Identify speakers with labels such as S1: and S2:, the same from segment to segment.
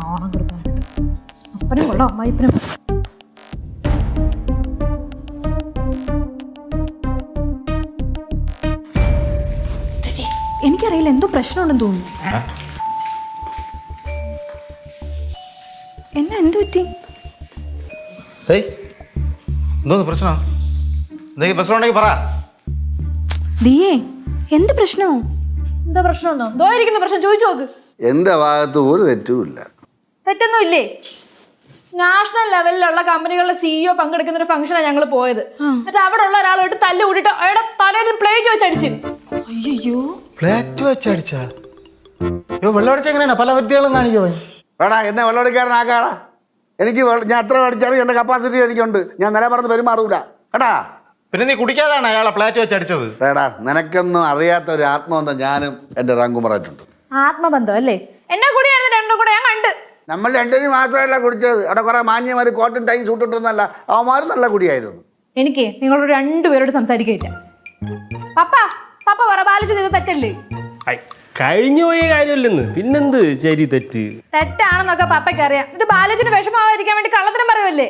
S1: നാണം കൊടുത്താനായിട്ട് അപ്പനും കൊള്ളാം അമ്മായിപ്പനും. എനിക്കറിയില്ല, എന്തോ പ്രശ്നമുണ്ടെന്ന് തോന്നുന്നു. എന്നാ എന്ത് പറ്റി?
S2: എന്തോന്ന് പ്രശ്നം? എന്തെങ്കിലും പ്രശ്നം ഉണ്ടെങ്കിൽ പറ.
S1: ദിയേ, എന്ത് പ്രശ്നമോ?
S3: എന്താ പ്രശ്നമൊന്നോ? ദോയിരിക്കുന്ന പ്രശ്നം ചോദിച്ചു നോക്ക്.
S4: എന്റെ ഭാഗത്ത് ഒരു തെറ്റുമില്ല.
S3: തെറ്റൊന്നും ഇല്ലേ? നാഷണൽ ലെവലിലുള്ള കമ്പനികളുടെ സിഇഒ പങ്കെടുക്കുന്ന ഒരു ഫംഗ്ഷനാണ് ഞങ്ങൾ പോയത്. എന്നിട്ട് അവിടെ ഉള്ള ഒരാളോട്ട് തല്ല് കൂട്ടിട്ട് അയാളുടെ തലയിൽ പ്ലേറ്റ് വെച്ച് അടിച്ചു.
S1: അയ്യോ,
S2: പ്ലേറ്റ് വെച്ചടിച്ചാ? വെള്ളം അടിച്ച എങ്ങനെയാണ്? പല വ്യക്തികളും കാണിക്കോ?
S4: വേടാ, എന്നെ വെള്ളമടിക്കാരനാക്കാടാ. എനിക്ക് ഞാൻ എത്ര അടിച്ചാലും എൻ്റെ കപ്പാസിറ്റി എനിക്കുണ്ട്. ഞാൻ നില പറഞ്ഞ് പെരുമാറൂല കേട്ടാ.
S2: പിന്നെ നീ കുടിക്കാതാണ് അയാളെ പ്ലേറ്റ് വെച്ചടിച്ചത്?
S4: വേടാ, നിനക്കൊന്നും അറിയാത്ത ഒരു ആത്മബന്ധം ഞാനും എൻ്റെ റാങ്കുമാറായിട്ടുണ്ട്.
S3: ആത്മബന്ധം അല്ലേ? എന്നെ കൂടിയായിരുന്നു രണ്ടും കൂടെ ഞാൻ കണ്ട്.
S4: നമ്മൾ രണ്ടുപേരും മാത്രമല്ല കുടിച്ചത്. അവിടെ കുറെ മാന്യമാർ കോട്ടും ടൈം സൂട്ടിട്ടൊന്നല്ല, അവന്മാരും നല്ല കുടിയായിരുന്നു.
S3: എനിക്ക് നിങ്ങളോട് രണ്ടുപേരോട് സംസാരിക്കില്ല. പപ്പ പപ്പ പറ, ബാലിച്ച് ചെയ്ത് തെറ്റല്ലേ?
S5: കഴിഞ്ഞു പോയ കാര്യമല്ലെന്ന് പിന്നെന്ത് ശരി തെറ്റ്?
S3: തെറ്റാണെന്നൊക്കെ പപ്പയ്ക്ക് അറിയാം. എന്നിട്ട് ബാലിച്ചിന് വിഷമാവാതിരിക്കാൻ വേണ്ടി കള്ളത്തിനും പറയുമല്ലേ?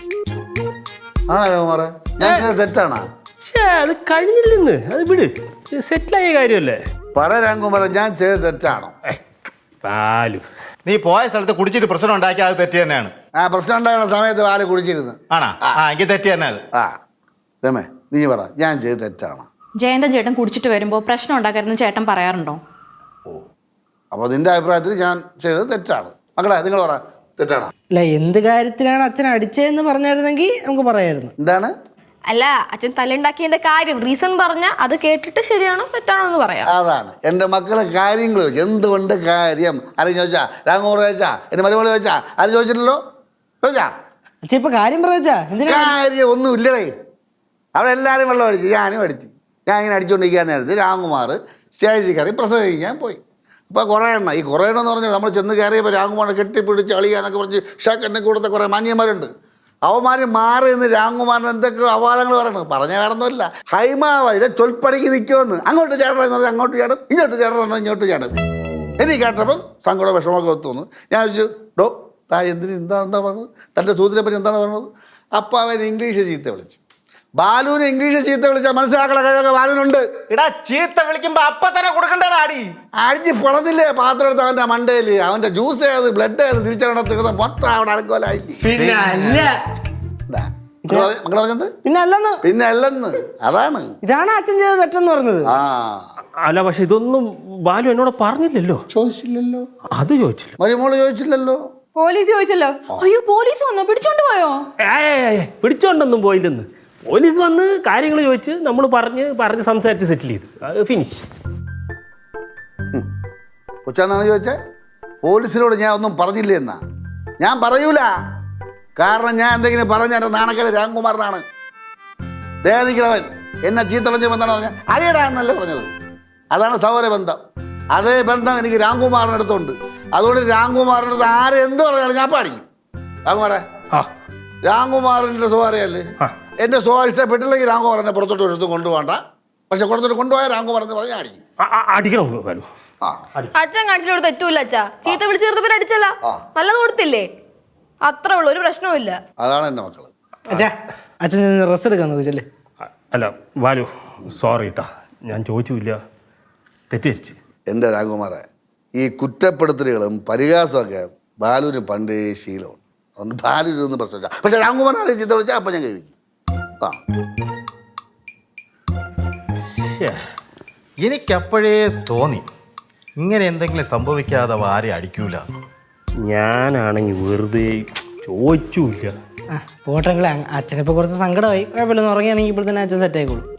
S4: ആണോ കുമാറേ? ഞാൻ ചെയ്തത് തെറ്റാണോ?
S5: അത് കഴിഞ്ഞില്ലെന്ന്, അത് വിട്, സെറ്റിലായ കാര്യമല്ലേ.
S4: പറ രാംകുമാറ, ഞാൻ ചെയ്തത് തെറ്റാണോ?
S5: പാലു,
S2: നീ പോയ സ്ഥലത്ത് കുടിച്ചിട്ട് പ്രശ്നം ഉണ്ടാക്കി, അത് തെറ്റ് തന്നെയാണ്.
S4: ആ പ്രശ്നം ഉണ്ടാകുന്ന സമയത്ത് പാല് കുടിച്ചിരുന്നു.
S2: ആണാ? എനിക്ക് തെറ്റ് തന്നെ അത്.
S4: രമേ, നീ പറ, ഞാൻ ചെയ്തത് തെറ്റാണോ?
S1: ജയന്തൻ ചേട്ടൻ കുടിച്ചിട്ട് വരുമ്പോൾ പ്രശ്നം ഉണ്ടാക്കരുതെന്ന് ചേട്ടൻ പറയാറുണ്ടോ?
S4: ഓ, അപ്പോൾ നിന്റെ അഭിപ്രായത്തിൽ ഞാൻ ചെയ്തത് തെറ്റാണ്. മക്കളെ, നിങ്ങൾ പറ, തെറ്റാണോ?
S6: അല്ല, എന്ത് കാര്യത്തിലാണ് അച്ഛൻ അടിച്ചതെന്ന് പറഞ്ഞായിരുന്നെങ്കിൽ നമുക്ക് പറയായിരുന്നു.
S4: എന്താണ്?
S7: അല്ല, അച്ഛൻ തല്ലുണ്ടാക്കിയതിന്റെ കാര്യം റീസൺ പറഞ്ഞ അത് കേട്ടിട്ട് ശരിയാണോ തെറ്റാണോ എന്ന് പറയാം.
S4: അതാണ് എൻ്റെ മക്കളെ കാര്യങ്ങൾ ചോദിച്ചു. എന്തുകൊണ്ട് കാര്യം ആരും ചോദിച്ചാ? രാംകുമാർ ചോദിച്ചാ? എൻ്റെ മരുമോള് ചോദിച്ചാ? ആരും ചോദിച്ചില്ലല്ലോ. ചോദിച്ചാ?
S6: അച്ഛൻ ഇപ്പൊ കാര്യം പറയാ? എന്തിനാ
S4: കാര്യം ഒന്നും ഇല്ലടേ. അവിടെ എല്ലാവരും വെള്ളം അടിച്ചു, ഞാനും അടിച്ചു. ഞാൻ ഇങ്ങനെ അടിച്ചുകൊണ്ടിരിക്കാൻ നേരത്ത് രാംകുമാർ സ്റ്റേജിൽ കയറി പ്രസംഗിക്കാൻ പോയി. അപ്പോൾ കുറേ എണ്ണം, ഈ കുറേ എണ്ണം എന്ന് പറഞ്ഞാൽ നമ്മൾ ചെന്ന് കയറിയപ്പോൾ രാംകുമാറിനെ കെട്ടിപ്പിടിച്ച് അളിയാന്നൊക്കെ പറഞ്ഞ് ഷാക്കെന്നെ കൂടത്തെ കുറേ മാന്യന്മാരുണ്ട്. അവന്മാർ മാറി നിന്ന് രാംകുമാറിന് എന്തൊക്കെ അവാദങ്ങൾ പറയണം. പറഞ്ഞ വേറൊന്നുമില്ല, ഹൈമാവതിലെ ചൊൽപ്പടിക്ക് നിൽക്കുമെന്ന്. അങ്ങോട്ട് ചേട്ടൻ എന്ന് പറഞ്ഞാൽ അങ്ങോട്ട് ചേട്ടൻ, ഇങ്ങോട്ട് ചേട്ടൻ എന്നാൽ ഇങ്ങോട്ട് ചേട്ടൻ. എനിക്ക് കേട്ടപ്പോൾ സങ്കടം വിഷമമൊക്കെ ഒത്തുവന്നു. ഞാൻ ചോദിച്ചു, ഡോ താ എന്തിന് എന്താ പറഞ്ഞത്? തൻ്റെ സൂതിനെ പറ്റി എന്താണ് പറഞ്ഞത്? അപ്പോൾ അവൻ ഇംഗ്ലീഷ് ചീത്ത വിളിച്ചു. ബാലുവിന് ഇംഗ്ലീഷ് ചീത്ത വിളിച്ചാൽ മനസ്സിലാക്കണ കഴിവൊക്കെ ബാലുവിനുണ്ട്.
S2: ഇടാ, ചീത്ത വിളിക്കുമ്പോ അപ്പൊ തന്നെ കൊടുക്കണ്ടേടാ അടി.
S4: അടിച്ച് പൊളന്നില്ലേ പാത്രം എടുത്ത് അവൻ്റെ മണ്ടയിൽ. അവൻ്റെ ജ്യൂസ് ഏത് ബ്ലഡ് ഏത് തിരിച്ചറിയണ മൊത്തം അവിടെ അനക്കോലായില്ലേ.
S6: പിന്നെ അല്ല,
S4: മക്കൾ പറഞ്ഞത്
S6: പിന്നെ അല്ലെന്ന്,
S4: പിന്നെ അല്ലെന്ന്. അതാണ്,
S6: ഇതാണ് അച്ഛൻ ചെയ്തത് തെറ്റെന്ന് പറഞ്ഞത്.
S5: അല്ല, പക്ഷെ ഇതൊന്നും ബാലു എന്നോട് പറഞ്ഞില്ലല്ലോ.
S4: ചോദിച്ചില്ലല്ലോ.
S5: അത് ചോദിച്ചില്ല,
S4: മരുമോള് ചോദിച്ചില്ലല്ലോ.
S3: പോലീസ് ചോദിച്ചല്ലോ.
S1: അയ്യോ, പോലീസ് വന്നോ? പിടിച്ചോണ്ട് പോയോ?
S5: പിടിച്ചോണ്ടൊന്നും പോയില്ലെന്ന്. പോലീസ് വന്ന് കാര്യങ്ങൾ ചോദിച്ച് നമ്മൾ പറഞ്ഞ് സംസാരിച്ച് സെറ്റിൽ ചെയ്തു. അത് ഫിനിഷ്.
S4: കൊച്ചാന്നാണ് ചോദിച്ചേ? പോലീസിനോട് ഞാൻ ഒന്നും പറഞ്ഞില്ല എന്നാ? ഞാൻ പറയൂല. കാരണം ഞാൻ എന്തെങ്കിലും പറഞ്ഞ എൻ്റെ നാണക്കേട് രാംകുമാറിനാണ്. ദേഹിക്കണവൻ എന്നെ ചീത്തളഞ്ഞപ്പോൾ എന്താണ് പറഞ്ഞത്? അരിയടാ എന്നല്ലേ പറഞ്ഞത്. അതാണ് സൗരബന്ധം. അതേ ബന്ധം എനിക്ക് രാംകുമാറിൻ്റെ അടുത്തുണ്ട്. അതുകൊണ്ട് രാംകുമാറിൻ്റെ അടുത്ത് ആരെന്ത് പറഞ്ഞാലും ഞാൻ പാടിക്കും. രാംകുമാറെ, രാംകുമാറിൻ്റെ സ്വഭാവമല്ലേ? എൻ്റെ സ്വഭാവം ഇഷ്ടപ്പെട്ടില്ലെങ്കിൽ രാംകുമാർ എന്നെ പുറത്തോട്ട് എടുത്ത് കൊണ്ടുപോകണ്ട. പക്ഷെ പുറത്തോട്ട് കൊണ്ടുപോയാൽ രാംകുമാർ എന്ന് പറഞ്ഞാൽ അടിക്കും.
S5: അടിക്കണം ബാലു.
S7: അച്ഛൻ കാണിച്ചിട്ട് തെറ്റൂല. അച്ഛാ ചീത്ത വിളിച്ച് ചേർത്തപ്പോൾ അടിച്ചല്ല, നല്ലത് കൊടുത്തില്ലേ? അത്രേ ഉള്ളൂ, ഒരു പ്രശ്നവുമില്ല.
S4: അതാണ് എൻ്റെ മക്കള്.
S6: അച്ഛാ, അച്ഛൻ റെസ്റ്റ് എടുക്കാൻ നോക്കിച്ചല്ലേ?
S5: അല്ല ബാലു, സോറി കേട്ടാ, ഞാൻ ചോദിച്ചില്ല, തെറ്റിദ്ധരിച്ച്.
S4: എൻ്റെ രാംകുമാറെ, ഈ കുറ്റപ്പെടുത്തലുകളും പരിഹാസമൊക്കെ ബാലുവിന് പണ്ടേ ശീലമാണ്. അതുകൊണ്ട് ബാലുവിനൊന്നും പ്രശ്നമില്ല. പക്ഷെ രാംകുമാറിനെ ചീത്ത വിളിച്ചാൽ അപ്പം ഞാൻ കഴിക്കും.
S2: എനിക്കപ്പോഴേ തോന്നി ഇങ്ങനെ എന്തെങ്കിലും സംഭവിക്കാതെ ആരെ അടിക്കൂല.
S5: ഞാനാണെങ്കിൽ വെറുതെ ചോദിച്ചില്ല.
S6: പോട്ടെങ്കിൽ അച്ഛനിപ്പോൾ കുറച്ച് സങ്കടമായി. കുഴപ്പമില്ലെന്ന് ഉറങ്ങിയാണെങ്കിൽ ഇപ്പോൾ തന്നെ അച്ഛൻ സെറ്റ് ആയിക്കോളൂ.